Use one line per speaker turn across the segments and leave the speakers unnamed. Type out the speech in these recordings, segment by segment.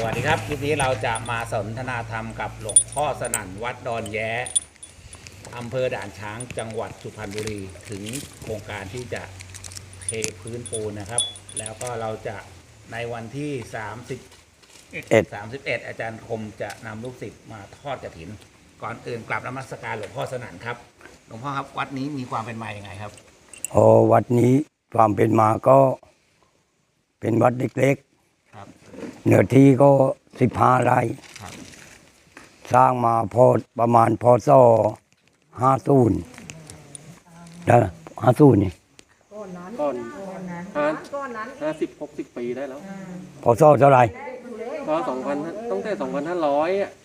วัสดีครับคลิปนี้เราจะมาสนทนาธรรมกับหลวงพ่อสนั่นวัดดอนแย้อำเภอด่านช้างจังหวัดสุพรรณบุรีถึงโครงการที่จะเทพื้นปูนนะครับแล้วก็เราจะในวันที่31อาจารย์คมจะนำลูกศิษย์มาทอดกฐินก่อนอื่นกราบนมัสการหลวงพ่อสนั่นครับหลวงพ่อครับวัดนี้มีความเป็นมาอย่างไงครับ
วัดนี้ความเป็นมาก็เป็นวัดเล็กๆเนื้อที่ก็15 ไร่สร้างมาประมาณพศ50นะ50นี่
ก่อนนั้น
50-60 ปีได้แล้ว
พศเท่าไหร่
ก็ตั้งแต่2,500อ่ะ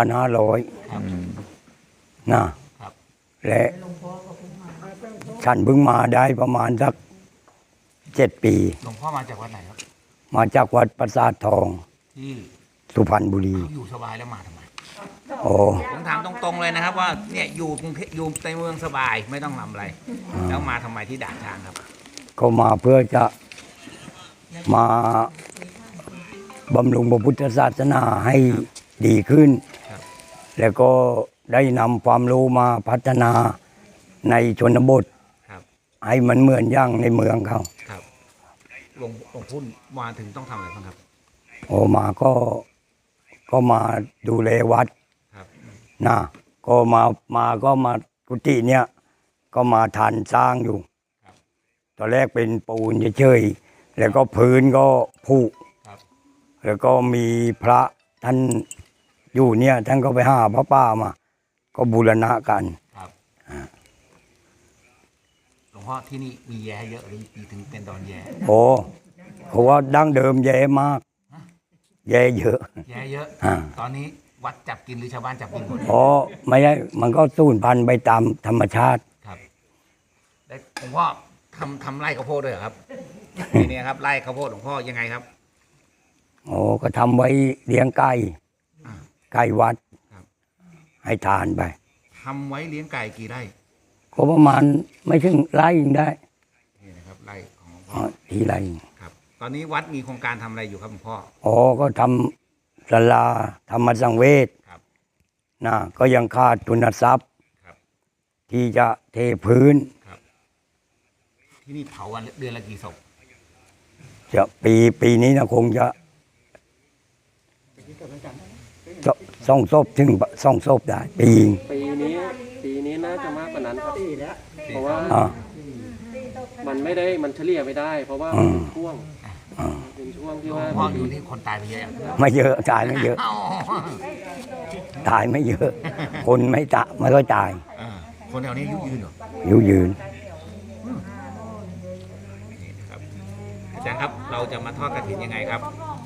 2,500นะและฉันเพิ่งมาได้ประมาณสัก7 ปี
หลวงพ่อมาจากวัดไหนครับ
มาจากวัดปราสาททอง
ที่
สุพรรณบุรี
อยู่สบายแล้วมาทำไม
ผม
ถามตรงๆเลยนะครับว่าเนี่ยอยู่ในเมืองสบายไม่ต้องทำอะไรแล้วมาทำไมที่ด่านช้างครับ
ก็มาเพื่อจะมาบำรุงพระพุทธศาสนาให้ดีขึ้นแล้วก็ได้นำความรู้มาพัฒนาในชนบทให้มันเหมือนอย่างในเมืองเขา
หลวงพ่อมาถึงต้องทำอะไรบ้างครับ
มาก็มาดูแลวัดนะก็มากุฏิเนี่ยก็มาทันสร้างอยู่ตอนแรกเป็นปูนเฉยๆแล้วก็พื้นก็ผุแล้วก็มีพระท่านอยู่เนี่ยท่านก็ไปหาพระป้ามาก็บูรณะกัน
หลวงพ่อที่นี่มีแย่เยอะหรือปีถึงเป็นดอนแย่
เพราะว่าดั้งเดิมแย่มากแย่เยอะ
ตอนนี้วัดจับกินหรือชาวบ้านจับกินหมด
ไม่ใช่มันก็สูญพันธุ์ไปตามธรรมชาติ
ครับได้หลวงพ่อทำไร่ข้าวโพดด้วยเหรอครับทีนี้ครับไร่ข้าวโพดหลวงพ่อยังไงครับ
ก็ทำไว้เลี้ยงไก่วัดให้ทานไป
ทำไว้เลี้ยงไก่กี่ไร่
ก็ประมาณไม่ถึงไร่ยังได้
นี่นะครับไร่ของ
ที่ไร่
ครับตอนนี้วัดมีโครงการทำอะไรอยู่ครับหลวงพ่อ
ก็ทำศาลาธรรมสังเวชนะก็ยังขาดทุนทรัพย์ที่จะเทพื้น
ที่นี่เผาวันเดือนละกี่ศพ
จะปีนี้นะคงจะ2 ศพถึง2 ศพได้ปี
นี้น่าจะมากกว่านั้นครับเพราะว่ามันเฉลี่ยไม่ได้เพราะว่าเป็นช่วงที่ว่า
พ่ออยู่ที่คนตายไปเยอะ
ไม่เยอะตายไม่เยอะตายไม่เยอะคนไม่ก็ตาย
คนแถวนี้อายุยืนเหรอ
อายุยืน
อาจารย์ครับเราจะมาทอดกฐินยังไงครับ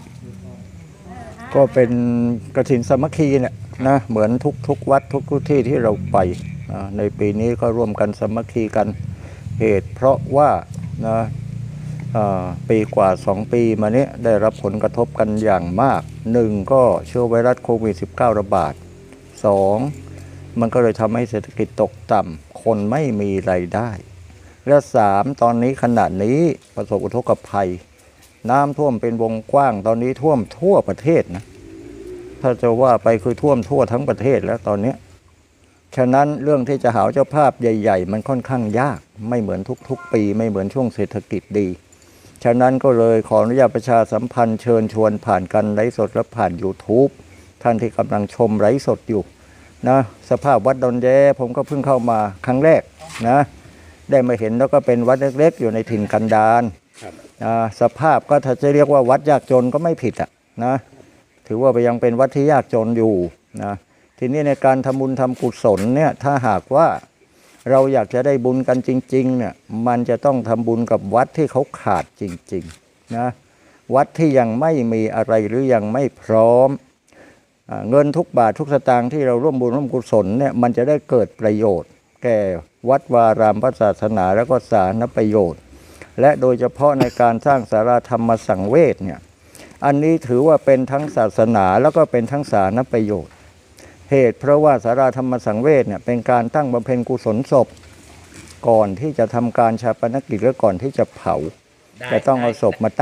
ก็เป็นกฐินสามัคคีเนี่ยนะเหมือนทุกวัดทุกที่ที่เราไปในปีนี้ก็ร่วมกันสามัคคีกันเหตุเพราะว่านะปีกว่า2 ปีมานี้ได้รับผลกระทบกันอย่างมาก1ก็เชื้อไวรัสโควิด -19 ระบาด2มันก็เลยทำให้เศรษฐกิจตกต่ำคนไม่มีรายได้และ3ตอนนี้ขณะนี้ประสบอุทกภัยน้ำท่วมเป็นวงกว้างตอนนี้ท่วมทั่วประเทศนะถ้าจะว่าไปคือท่วมทั่วทั้งประเทศแล้วตอนนี้ฉะนั้นเรื่องที่จะหาเจ้าภาพใหญ่ๆมันค่อนข้างยากไม่เหมือนทุกปีไม่เหมือนช่วงเศรษฐกิจดีฉะนั้นก็เลยขออนุญาตประชาสัมพันธ์เชิญชวนผ่านกันไลฟ์สดและผ่าน YouTube ท่านที่กำลังชมไลฟ์สดอยู่นะสภาพวัดดอนแย้ผมก็เพิ่งเข้ามาครั้งแรกนะได้มาเห็นแล้วก็เป็นวัดเล็กๆอยู่ในถิ่นกันดารสภาพก็ถ้าจะเรียกว่าวัดยากจนก็ไม่ผิดนะถือว่ายังเป็นวัดที่ยากจนอยู่นะทีนี้ในการทำบุญทำกุศลเนี่ยถ้าหากว่าเราอยากจะได้บุญกันจริงๆเนี่ยมันจะต้องทำบุญกับวัดที่เขาขาดจริงๆนะวัดที่ยังไม่มีอะไรหรือยังไม่พร้อมเงินทุกบาททุกสตางค์ที่เราร่วมบุญร่วมกุศลเนี่ยมันจะได้เกิดประโยชน์แก่วัดวารามพระศาสนาและก็สาธารณประโยชน์และโดยเฉพาะในการสร้างศาลาธรรมสังเวชเนี่ยอันนี้ถือว่าเป็นทั้งศาสนาแล้วก็เป็นทั้งสาธารณประโยชน์เหตุเพราะว่าศาลาธรรมสังเวชเนี่ยเป็นการตั้งบำเพ็ญกุศลศพก่อนที่จะทำการชาปนกิจหรือก่อนที่จะเผาจะต้องเอาศพมาตั้ง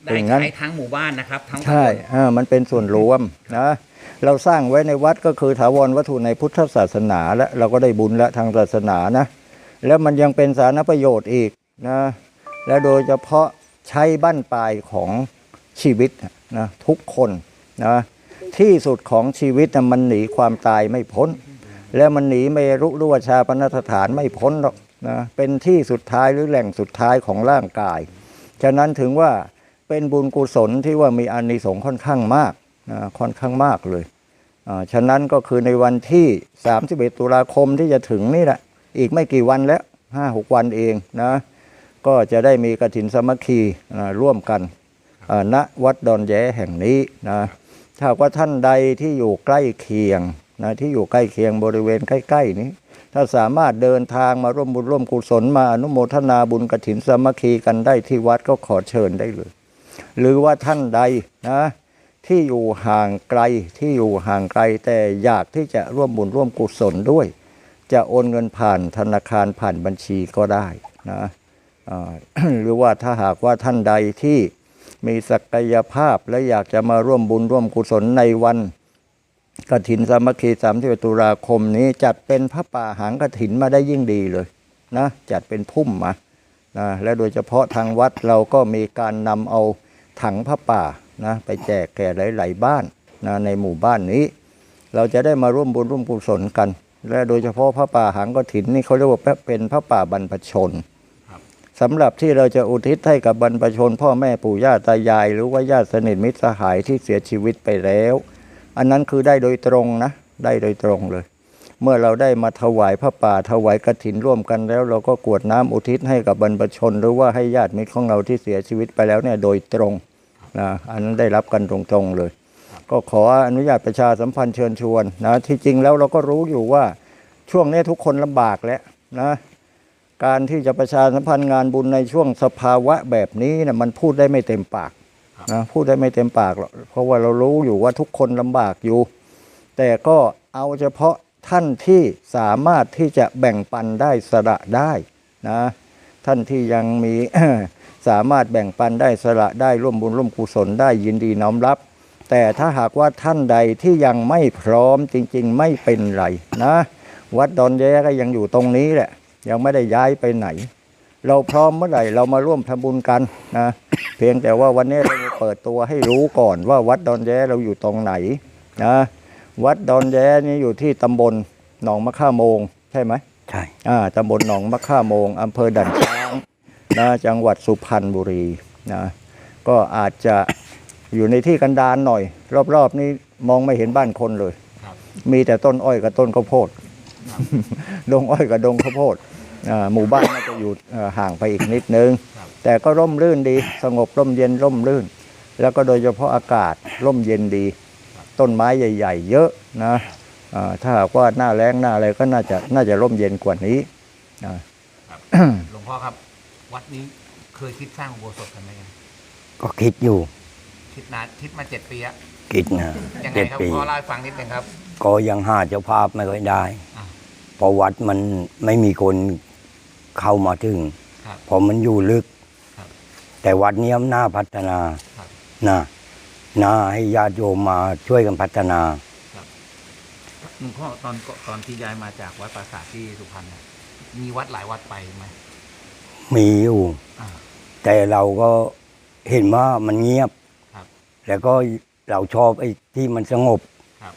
ได้
อย่างนั้น
ใช้ทั้งหมู่บ้านนะครับ ทั้ง
ใช่
ตำบล
มันเป็นส่วนรวมนะเราสร้างไว้ในวัดก็คือถาวรวัตถุในพุทธศาสนาและเราก็ได้บุญและทางศาสนานะแล้วมันยังเป็นสาธารณประโยชน์อีกนะและโดยเฉพาะใช้บั้นปลายของชีวิตนะทุกคนนะที่สุดของชีวิตนะมันหนีความตายไม่พ้น แล้วมันหนีเมรุรุวชาปนสถานไม่พ้นหรอกนะเป็นที่สุดท้ายหรือแหล่งสุดท้ายของร่างกายฉะนั้นถึงว่าเป็นบุญกุศลที่ว่ามีอานิสงส์ค่อนข้างมากนะค่อนข้างมากเลยฉะนั้นก็คือในวันที่31ตุลาคมที่จะถึงนี่แหละอีกไม่กี่วันแล้ว 5-6 วันเองนะก็จะได้มีกฐินสามัคคีร่วมกันณวัดดอนแย้แห่งนี้นะถ้าว่าท่านใดที่อยู่ใกล้เคียงนะที่อยู่ใกล้เคียงบริเวณใกล้ๆนี้ถ้าสามารถเดินทางมาร่วมบุญร่วมกุศลมาอนุโมทนาบุญกฐินสามัคคีกันได้ที่วัดก็ขอเชิญได้เลยหรือว่าท่านใดนะที่อยู่ห่างไกลแต่อยากที่จะร่วมบุญร่วมกุศลด้วยจะโอนเงินผ่านธนาคารผ่านบัญชีก็ได้นะหรือว่าถ้าหากว่าท่านใดที่มีศักยภาพและอยากจะมาร่วมบุญร่วมกุศลในวันกฐินสามัคคี31ตุลาคมนี้จัดเป็นพระป่าหางกฐินมาได้ยิ่งดีเลยนะจัดเป็นพุ่มมานะและโดยเฉพาะทางวัดเราก็มีการนำเอาถังพระป่านะไปแจกแก่หลายๆบ้านนะในหมู่บ้านนี้เราจะได้มาร่วมบุญร่วมกุศลกันและโดยเฉพาะพระป่าหางกฐินนี่เขาเรียกว่าเป็นพระป่าบรรพชนสำหรับที่เราจะอุทิศให้กับบรรพชนพ่อแม่ปู่ย่าตายายหรือว่าญาติสนิทมิตรสหายที่เสียชีวิตไปแล้วอันนั้นคือได้โดยตรงนะได้โดยตรงเลยเมื่อเราได้มาถวายพระป่าถวายกฐินร่วมกันแล้วเราก็กรวดน้ำอุทิศให้กับบรรพชนหรือว่าให้ญาติมิตรของเราที่เสียชีวิตไปแล้วเนี่ยโดยตรงนะอันนั้นได้รับกันตรงๆเลยก็ขออนุญาตประชาสัมพันธ์เชิญชวนนะที่จริงแล้วเราก็รู้อยู่ว่าช่วงนี้ทุกคนลำบากแล้วนะการที่จะประชาสัมพันธ์งานบุญในช่วงสภาวะแบบนี้นะมันพูดได้ไม่เต็มปากนะพูดได้ไม่เต็มปากหรอกเพราะว่าเรารู้อยู่ว่าทุกคนลำบากอยู่แต่ก็เอาเฉพาะท่านที่สามารถที่จะแบ่งปันได้สละได้นะท่านที่ยังมี สามารถแบ่งปันได้สละได้ร่วมบุญร่วมกุศลได้ยินดีน้อมรับแต่ถ้าหากว่าท่านใดที่ยังไม่พร้อมจริงๆไม่เป็นไรนะวัดดอนแย้ก็ยังอยู่ตรงนี้แหละยังไม่ได้ย้ายไปไหนเราพร้อมเมื่อไหร่เรามาร่วมทำบุญกันนะเพียงแต่ว่าวันนี้เราเปิดตัวให้รู้ก่อนว่าวัดดอนแย้เราอยู่ตรงไหนนะวัดดอนแย้นี่อยู่ที่ตำบลหนองมะข่าโมงใช่ไหม
ใช่
ตำบลหนองมะข่าโมงอำเภอด่านช้างนะจังหวัดสุพรรณบุรีนะก็อาจจะอยู่ในที่กันดารหน่อยรอบๆนี้มองไม่เห็นบ้านคนเลยมีแต่ต้นอ้อยกับต้นข้าวโพดดงอ้อยกับดงข้าวโพดหมู่บ้านน่าจะอยู่ห่างไปอีกนิดนึงแต่ก็ร่มรื่นดีสงบร่มเย็นร่มรื่นแล้วก็โดยเฉพาะอากาศร่มเย็นดีต้นไม้ใหญ่ๆเยอะนะถ้าหากว่าหน้าแล้งหน้าอะไรก็น่าจะร่มเย็นกว่านี้
หลวงพ่อครับวัดนี้เคยคิดสร้างอุโบสถกันไหมครับ
ก็คิดอยู่
คิดมา7 ปีอะ
คิดนะ
ยังไงครับพ่อเล่าให้ฟังนิดนึงครับ
ก็ยังหาเจ้าภาพไม่ค่อยได้เพราะวัดมันไม่มีคนเข้ามาถึงเพราะมันอยู่ลึกแต่วัดนี้น่าพัฒนาน่าให้ญาติโยมมาช่วยกันพัฒนา
หลวงพ่อตอนที่ย้ายมาจากวัดปราสาทที่สุพรรณมีวัดหลายวัดไปไหม
มีอยู่แต่เราก็เห็นว่ามันเงียบแล้วก็เราชอบไอ้ที่มันสงบ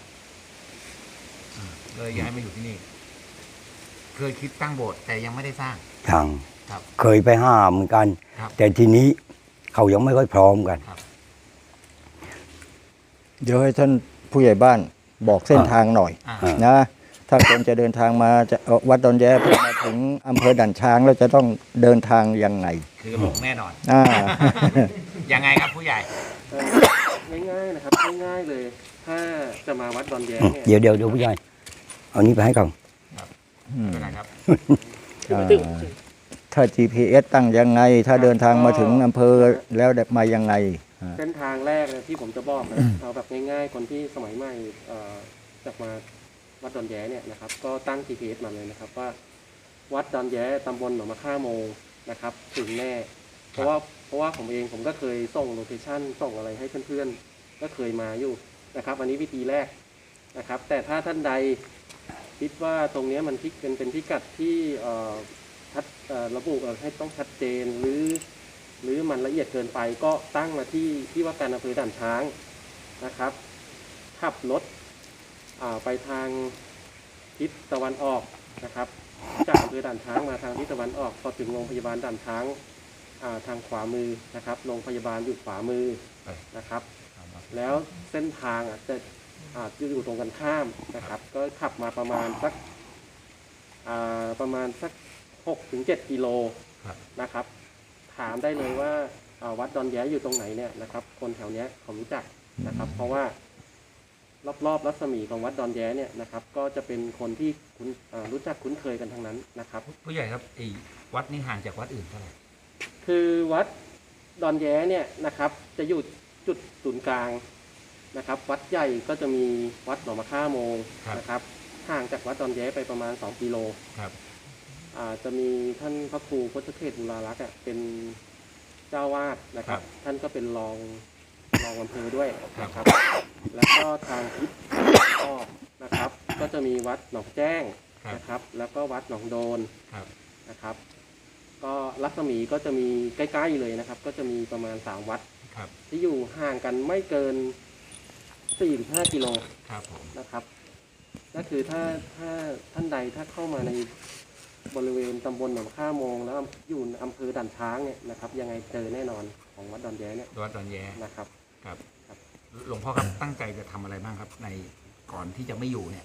เลยย้ายมาอยู่ที่นี่เคยคิดตั้งโบสถ์แต่ยังไม่ได้สร้าง
เคยไปห้ามเหมือนกันแต่ทีนี้เขายังไม่ค่อยพร้อมกัน
เดี๋ยวให้ท่านผู้ใหญ่บ้านบอกเส้นทางหน่อยนะถ้าคนจะเดินทางมาจะวัดดอนแย้เพื่อมาถึงอำเภอด่านช้างแล้วจะต้องเดินทางยังไง
คือบอกแน่นอนยังไงครับผู้ใหญ่
ง่ายๆนะครับง่ายๆเลยถ้าจะมาวัดดอนแย้เนี่ย
เดี๋ยวผู้ใหญ่เอานี้ไปให้ก่อน
เป็นไรครับ
ถ้า GPS ตั้งยังไงถ้าเดินทางมาถึงอำเภอแล้วมายังไง
เส้นทางแรกที่ผมจะบอกนะเอาแบบง่ายๆคนที่สมัยใหม่จากมาวัดดอนแย้เนี่ยนะครับก็ตั้ง GPS มาเลยนะครับว่าวัดดอนแย้ตำบลหนองมะข่าโมงนะครับถึงแน่เพราะว่าผมก็เคยส่งโลเคชั่นส่งอะไรให้เพื่อนๆก็เคยมาอยู่นะครับ อันนี้วิธีแรกนะครับ แต่ถ้าท่านใดคิดว่าตรงเนี้ยมันเป็นพิกัดที่ระบุให้ต้องชัดเจนหรือมันละเอียดเกินไปก็ตั้งมาที่ว่าการอำเภอด่านช้างนะครับขับรถไปทางทิศตะวันออกนะครับจากอำเภอด่านช้างมาทางทิศตะวันออกพอถึงโรงพยาบาลด่านช้างทางขวามือนะครับโรงพยาบาลอยู่ขวามือนะครับ แล้วเส้นทางจะอยู่ตรงกันข้ามนะครับ ก็ขับมาประมาณสัก6-7 กิโลนะครับ ถามได้เลยว่าวัดดอนแย้อยู่ตรงไหนเนี่ยนะครับ คนแถวเนี้ยเขารู้จักนะครับ เพราะว่ารอบรัศมีของวัดดอนแย้เนี่ยนะครับ ก็จะเป็นคนที่รู้จักคุ้นเคยกันทั้งนั้นนะครับ
ผู้ใหญ่ครับไอ้วัดนี่ห่างจากวัดอื่นเท่าไหร่
คือวัดดอนแย้เนี่ยนะครับจะอยู่จุดศูนย์กลางนะครับ วัดใหญ่ก็จะมีวัดหนองมะค่าโมงนะครับห่างจากวัดดอนแย้ไปประมาณ2 กิโล
ครับ
จะมีท่านพระครูพุทธเทศบุรารักษ์เป็นเจ้าวาดนะครับ ท่านก็เป็นรองอำเภอด้วยนะครับ แล้วก็ทางทิศออกนะครับ ก็จะมีวัดหนองแจ้งนะครับ แล้วก็วัดหนองโดนนะครับ ก็รัศมีก็จะมีใกล้ๆเลยนะครับ ก็จะมีประมาณ3 วัดที่อยู่ห่างกันไม่เกิน 4-5 กิโลนะครับก็คือถ้าท่านใดถ้าเข้ามาในบริเวณตำบลหนองข้าโมงแล้วอยู่อำเภอด่านช้างเนี่ยนะครับยังไงเจอแน่นอนของวัดดอนแย้เนี่ย
วัดดอนแย้
นะครับ
ครับหลวงพ่อครับตั้งใจจะทำอะไรบ้างครับในก่อนที่จะไม่อยู่เนี่ย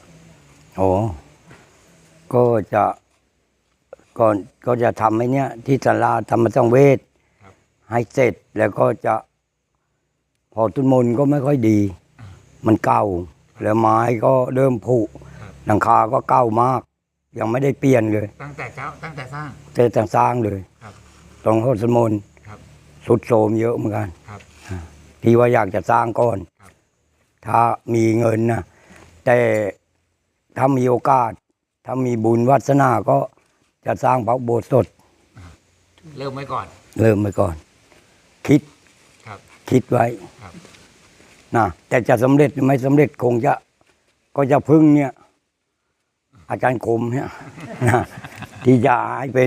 ก็จะก็จะทำให้เนี่ยที่ศาลาธรรมสังเวชให้เสร็จแล้วก็จะพอต้นมนก็ไม่ค่อยดีมันเก่าแล้วไม้ก็เริ่มผุหลังคาก็เก่ามากยังไม่ได้เปลี่ยนเลย
ตั้งแต่สร้าง
แต่สร้างเลยตรงโคตรมนสุดโทรมเยอะเหมือนกันที่ว่าอยากจะสร้างก่อนถ้ามีเงินนะแต่ถ้ามีโอกาสถ้ามีบุญวาสนาก็จะสร้างพระอุโบสถ
เริ่มไว้ก่
อนคิดไว้นะแต่จะสำเร็จหรือไม่สำเร็จคงจะพึ่งเนี่ยอาจารย์คมเนี่ยนะที่จะให้เป็น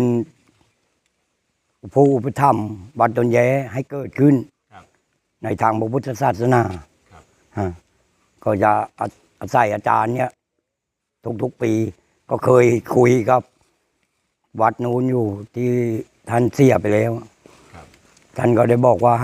ผู้อุปถัมภ์วัดดอนแย้ให้เกิดขึ้นในทางพระพุทธศาสนาก็จะอาศัยอาจารย์เนี่ยทุกปีก็เคยคุยกับวัดนู้นอยู่ที่ท่านเสียไปแล้วท่านก็ได้บอกว่า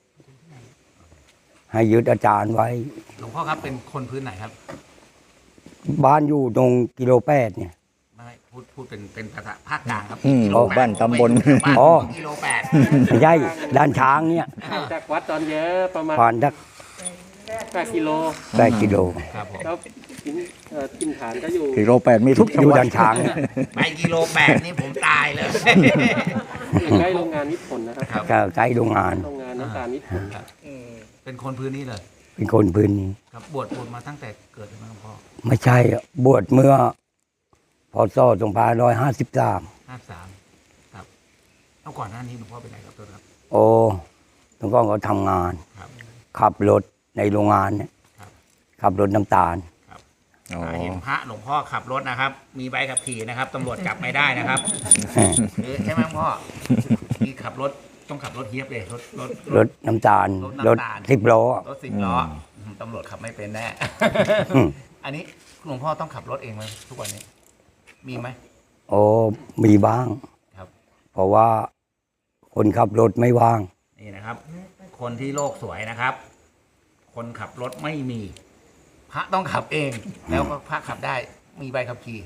ให้ยึดอาจารย์ไว้
หลวงพ่อครับเป็นคนพื้นไหนครับ
บ้านอยู่ตรงกิโล8เนี่ย
ไม่พูดเป็นภาษาภาคกลางครับ
บ้านตำบล
กิโล8
ไม่ใช่ด้านช้างเนี่ย
จากวัดดอนแย้ประมาณ8 กิโล
ครับผม
แล้วถิ่นฐานก็อยู่
กิโล8มีทุกจังหวัด
ด้านช้าง
ไปกิโล8นี่ผมตายเลย
ใกล้โรงงานนิพนธ์นะครับ
ใกล้โรงงาน
น้ำตาลนิพนธ์
เป็นคนพื้นนี้เลย
เป็นคนพื้นนี้
ครับบวชมาตั้งแต่เกิดเลยไหมพ่อ
ไม่ใช่บวชเมื่อพ.ศ. 2553
ครับแล้วก่อนหน้านี้หลวงพ่อเป็นไงครับตัวครับ
หลวงพ่อก็ทำงานขับรถในโรงงานเนี่ยขับรถน้ำตาล
เห็นพระหลวงพ่อขับรถนะครับมีใบขับขี่นะครับตำรวจจับไม่ได้นะครับใช่ไหมพ่อที่ขับรถต้องขับรถเฮียบเลย
รถน้ำตาลรถ10 ล้อ
ตำรวจขับไม่เป็นแน่อันนี้หลวงพ่อต้องขับรถเองไหมทุกวันนี้มีไหม
มีบ้าง
ครับ
เพราะว่าคนขับรถไม่ว่าง
นี่นะครับคนที่โลกสวยนะครับคนขับรถไม่มีพระต้องขับเองแล้วก็พระขับได้มีใบขับขี่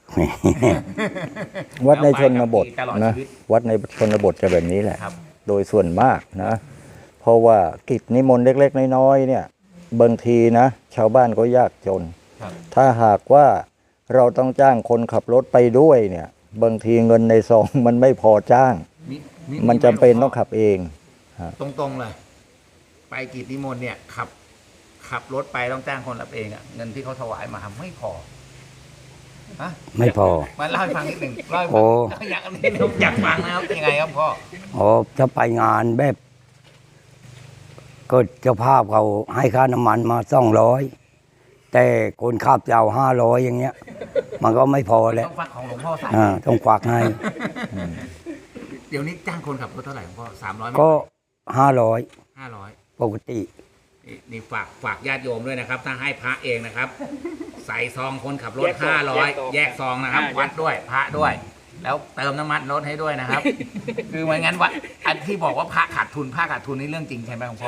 วัดในชนบทนะวัดในชนบทจะแบบนี้แหละโดยส่วนมากนะเพราะว่ากิจนิมนต์เล็กๆน้อยๆเนี่ยบางทีนะชาวบ้านก็ยากจนถ้าหากว่าเราต้องจ้างคนขับรถไปด้วยเนี่ยบางทีเงินในซองมันไม่พอจ้างมันจำเป็นต้องขับเอง
ตรงๆเลยไปกิจนิมนต์เนี่ยขับรถไปต้องจ้างคนรับเองเงินที่เขาถวายมาไม่พอฮะ
ไม่พอ
มาเล่าให้ฟังนิดหนึ่งเล่าให้
โอ้
ฟังอยากอยากฟังนะครับยังไงครับพ่อ
อ๋อถ้าไปงานแบบก็เจ้าภาพเขาให้ค่าน้ำมันมา200แต่คนขับจะเอา500อย่างเงี้ย มันก็ไม่พอแล้ว
ต้องฟังของหลวงพ่อใส่
ต้องควักให้
เดี๋ยวนี้จ้างคนขับรถเท่าไหร่หลวงพ่อ300ไหม
ก็500
500
ปกติ
นี่ฝากญาติโยมด้วยนะครับ ถ้าให้พระเองนะครับ ใส่ซองคนขับรถ500แยกซองนะครับ วัดด้วยพระด้วย แล้วเติมน้ำมันรถให้ด้วยนะครับ คือไม่งั้นว่าอันที่บอกว่าพระขาดทุนนี่เรื่องจริงใช่ไหมหลวงพ่อ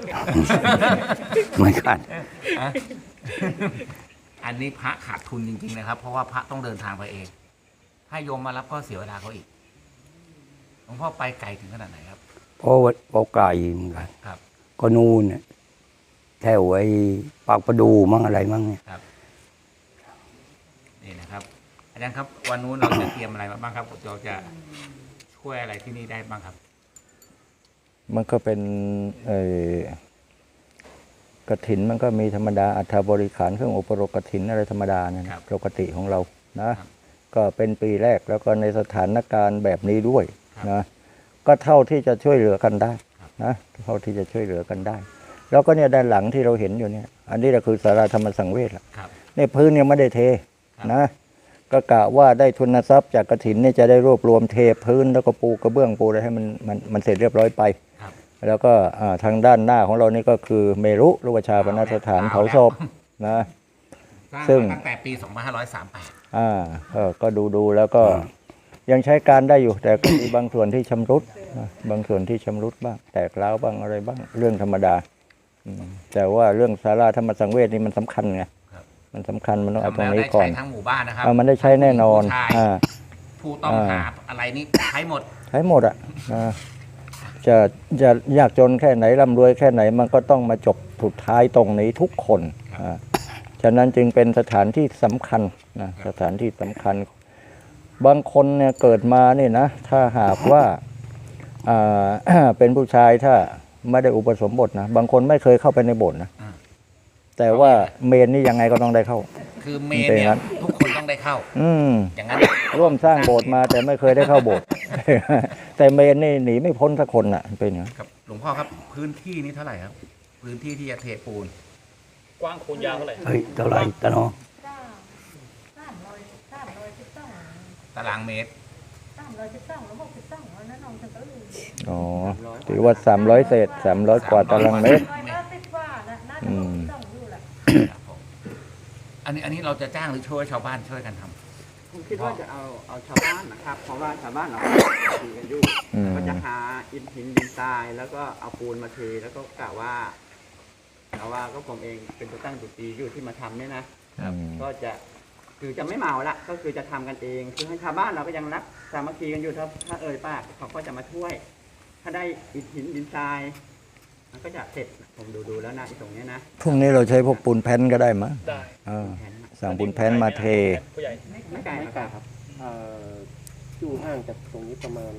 ไม่ขาด
ฮะอันนี้พระขาดทุนจริงๆนะครับ เพราะว่าพระต้องเดินทางไปเอง ให้โยมมารับก็เสียเวลาเขาอีกหลวงพ่อไปไกลถึงขนาดไหนครับ
เพราะไกลเหมือนกัน
ครับ
ก็นู่นน่ะแถวไอ้ปากประดูมั่งอะไรมั่งเนี่ย
ครับนี่นะครับอาจารย์ครับ วันนู้นเราจะเตรียมอะไรมาบ้างครับเราจะช่วยอะไรที่นี่ได้บ้างครับ
มันก็เป็นกฐินมันก็มีธรรมดาอัฐบริขารเครื่องอุปโภคกฐินอะไรธรรมดาเนี่ย
ครับ
ปกติของเรานะครับ ก็เป็นปีแรกแล้วก็ในสถานการณ์แบบนี้ด้วย
ครับ
นะก็เท่าที่จะช่วยเหลือกันได้
ครับ
นะเท่าที่จะช่วยเหลือกันได้ แล้วก็เนี่ยด้านหลังที่เราเห็นอยู่เนี่ย อันนี้ก็คือศาลาธรรมสังเวชละ
ครับ
เนี่ยพื้นยังไม่ได้เท
ครับ
นะก็กะว่าได้ทุนทรัพย์จากกฐินเนี่ยจะได้รวบรวมเทพื้นแล้วก็ปูกระเบื้องปูอะไรให้มันเสร็จเรียบร้อยไป
ครับ
แล้วก็ทางด้านหน้าของเรานี่ก็คือเมรุรูปชาปนสถานเผาศพนะ
สร้าง
ซึ่ง
มาตั้งแต่ปี 2538
ก็ดูแล้วก็ยังใช้การได้อยู่ แต่ก็มีบางส่วนที่ชำรุดนะบางส่วนที่ชำรุดบ้าง แตกร้าวบ้างอะไรบ้างเรื่องธรรมดาแต่ว่าเรื่องศาลาธรรมสังเวชนี่มันสำคัญไง
ครับ
มันสำคัญมันต้องเอา
ทำ
ตร
แล้
ง
ว
นี้
ได้
ก่อ
ใช้
น
ทั้งหมู่บ้านนะครับ
มันได้ใช้แน่นอน
ผู้ชาย
อ่า
ผู้ต้องหาอะไรนี่ใช้หมด
ใช้หมดอ่ะจะยากจนแค่ไหนร่ำรวยแค่ไหนมันก็ต้องมาจบสุดท้ายตรงนี้ทุกคนฉะนั้นจึงเป็นสถานที่สำคัญนะสถานที่สำคัญ บางคนเนี่ยเกิดมาเนี่ยนะถ้าหากว่าเป็นผู้ชายถ้าไม่ได้อุปสมบทนะบางคนไม่เคยเข้าไปในโบสถ์นะ
อ่า
แต่ว่าเมนนี่ยังไงก็ต้องได้เข้า
คือเมนเนี่ยทุกคนต้องได้เข้า อย่างนั้น
ร่วมสร้างโบสถ์มาแต่ไม่เคยได้เข้าโบสถ์ แต่เมนนี่หนีไม่พ้นสักคนน่ะเป็นอย่างนั้น
ครับหลวงพ่อครับพื้นที่นี้เท่าไหร่ครับ พื้นที่ที่จะเทปูน
กว้างคูณยาวเท่าไหร่
เฮ้ยเท่าไหร่ตะเนาะ
ตารางเมตร
อ๋อถือว่า300เศษ300กว่าตารางเมตร อืม
ครับผมอันนี้เราจะจ้างหรือช่วยชาวบ้านช่วยกันทำ
ผมคิดว่าจะเอาชาวบ้านนะครับ เพราะว่าชาวบ้านเราตีกันอยู่
อืม
ก็จะหาอิฐหินดินทรายแล้วก็เอาปูนมาเทแล้วก็กะว่าก็ผมเองเป็นตัวตั้งตัวตีอยู่ที่มาทำเนี่ยนะ ก็จะคือจะไม่เมาละก็คือจะทำกันเองคือให้ชาวบ้านเราก็ยังรักสามัคคีกันอยู่ถ้าเอ่ยปากเขาก็จะมาช่วย ถ้าได้อิฐหินดินทรายมันก็จะเสร็จผมดูแล้วนะตรงเนี้ยนะ
พรุ่งนี้เราใช้พวกปูนแผ่นก็ได้มั้ย
ได้
แผน
สั่งปูนแผ่นมาเท
ผู้ใหญ่
ไม่ไกลนะครับ
อยู่ห่างจากตรงนี้ประมาณ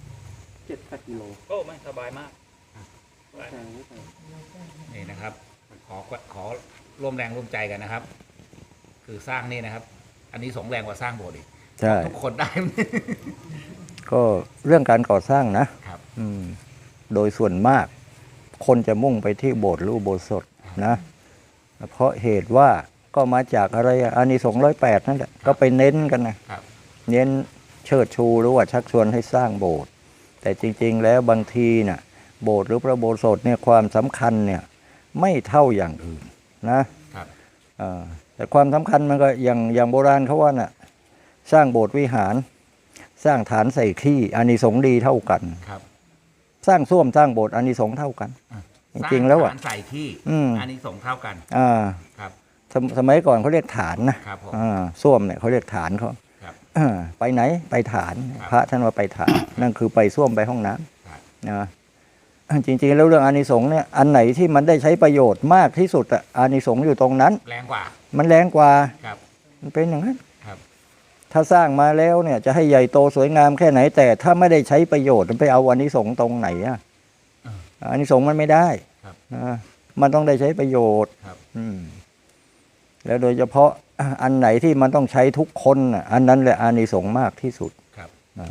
7-8 กิโล
โอ้ไม่สบายมาก
ไม่ไกลไม่ไกล
นี่นะครับ ขอร่วมแรงร่วมใจกันนะครับ คือสร้างนี่นะครับ อันนี้สงแรงกว่าสร้างโบสถ์อีก
ใช่
ทุกคนได้
ก็เรื่องการก่อสร้างนะครับ โดยส่วนมาก คนจะมุ่งไปที่โบสถ์หรืออุโบสถนะเพราะเหตุว่าก็มาจากอะไรอานิสงส์108นั่นแหละก็ไปเน้นกันนะครับ เน้นเชิดชูหรือว่าชักชวนให้สร้างโบสถ์แต่จริงๆแล้วบางทีน่ะโบสถ์หรือพระอุโบสถเนี่ยความสำคัญเนี่ยไม่เท่าอย่างอื่นนะครับ แต่ความสำคัญมันก็อย่างโบราณเขาว่าน่ะสร้างโบสถ์วิหาร สร้างฐานใส่ขี้อานิสงส์ดีเท่ากัน
ครับ
สร้างส้วมสร้างโบสถ์อานิสงส์เท่ากัน จริงๆแล้วอ่ะ
สร้างฐานใส่ที่ อันนี้สงส์เท่ากัน ครับ
สมัยก่อนเขาเรียกฐานนะครับ
ผม
ส้วมเนี่ยเขาเรียกฐานเขา
ครับ
ไปไหนไปฐาน
ครับ
พระท่านว่าไปฐานนั่นคือไปส้วมไปห้องน้
ครับ
ำนะจริงๆแล้วเรื่องอานิสงส์เนี่ยอันไหนที่มันได้ใช้ประโยชน์มากที่สุดอะอานิสงส์อยู่ตรงนั้น
แรงกว่า
มันแรงกว่า
ครับ
มันเป็นอย่างนั้น
ครับ
ถ้าสร้างมาแล้วเนี่ยจะให้ใหญ่โตสวยงามแค่ไหน แต่ถ้าไม่ได้ใช้ประโยชน์มันไปเอาอานิสงส์ตรงไหนอะอานิสงส์มันไม่ได้
ครับ
นะมันต้องได้ใช้ประโยชน์
ครับ
แล้วโดยเฉพาะอันไหนที่มันต้องใช้ทุกคนน่ะอันนั้นแหละอานิสงส์มากที่สุด
ครับ
นะ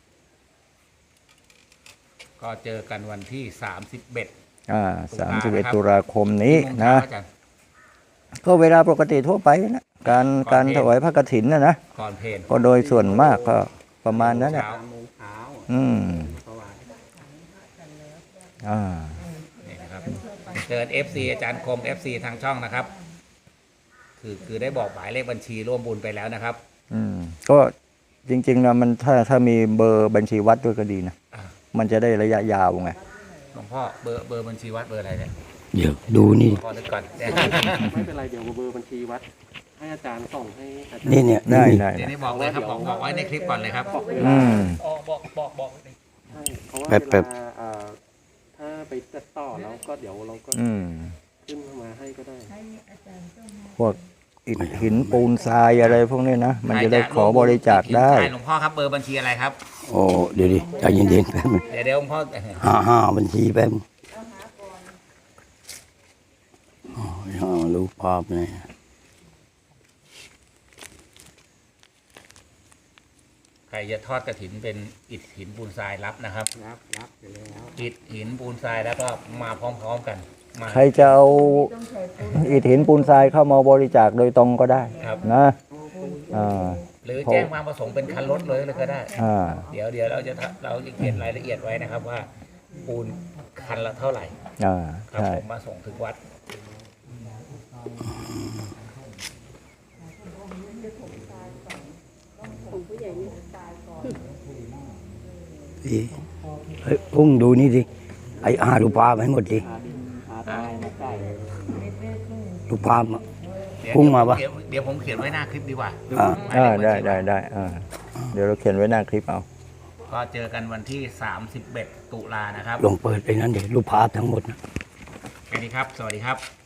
ก็เจอกันวันที่31
31 ตุลาคมนี้
กี่โมง
นะ
เช้าอาจารย์
ก็เวลาปกติทั่วไปนะการถวายพระกฐินนะ
ก่อนเพลน
ก็โดยส่วนมากก็ประมาณนั้นแหละ
เช้า
3 โมงเช้า
อืม
เพราะว่า
อ่า
นี่นะครับเชิญ FC อาจารย์คม FC ทางช่องนะครับ คือได้บอกหมายเลขบัญชีร่วมบุญไปแล้วนะครับ
ก็จริงๆนะมันถ้ามีเบอร์บัญชีวัดด้วยก็ดีนะ
อ่า
มันจะได้ระยะยาวไง
หลวงพ่อเบอร์บัญชีวัดเบอร์อะไรเนี่ย
เดี๋ยวดูนี่
พอนึกก่อน
ไม่เป็นไรเดี๋ยวเบอร์บัญชีวัด ให้อาจารย์ส่งให้อาจารย์
นี่เนี่ย
ได้
นี่
ได้
เดี๋ยวนี้บอกเลยครับบอกไว้ในคลิปก่อนเลยครับ
บอกเว
อื
ลา
ม
บอก
ใช่เพราะว่า
แป๊บ
เวลาถ้าไปตัดต่อแล้วก็เดี๋ยวเราก็
อืม
ขึ้นมาให้ก็ได้
พวกอิฐหินปูนทรายอะไรพวกนี้นะ มันจะได้ขอบริจาคได้
หลวงพ่อครับเบอร์บัญชีอะไรครับ
โอ้เดี๋ยวดิใจเย็นๆแป๊บนึง
เดี๋ยวหลวงพ่อ
55บัญชีแป๊บนึงอ๋อรูปภาพเนี่ย
ใครจะทอดกระถินเป็นอิฐหินปูนทรายรับนะครับ
รับอยู่แล้ว
อิฐหินปูนทรายแล้วก็มาพร้อมๆกันมา
ใครจะเอาอิฐหินปูนทรายเข้ามาบริจาคโดยตรงก็ได้
ครับ
นะอ่า
หรือแจ้งมาประสงค์เป็นคันรถเลยก็ได้
อ่า
เดี๋ยวเราจะเขียนรายละเอียดไว้นะครับว่า ปูนคันละเท่าไหร่
อ่า
ครับ
ใช่
ผมมาส่งถึงวัด
พี่เฮ้ยพุ่งดูนี่สิไอ้รูปภาพให้หมดดิ
ตายไม่ใส่
รูปภาพอะ
เดี๋ยว
พุ่งมาปะ
เดี๋ยวผมเขียนไว้หน้าคลิปดีกว่า
อ่า
ได้เดี๋ยวเราเขียนไว้หน้าคลิปเอา
ก็เจอกันวันที่ 31 ตุลานะครับ
ลงเปิดไปนั้นเดี๋ยวรูปภาพทั้งหมดนะ
แค่นี้ครับ สวัสดีครับ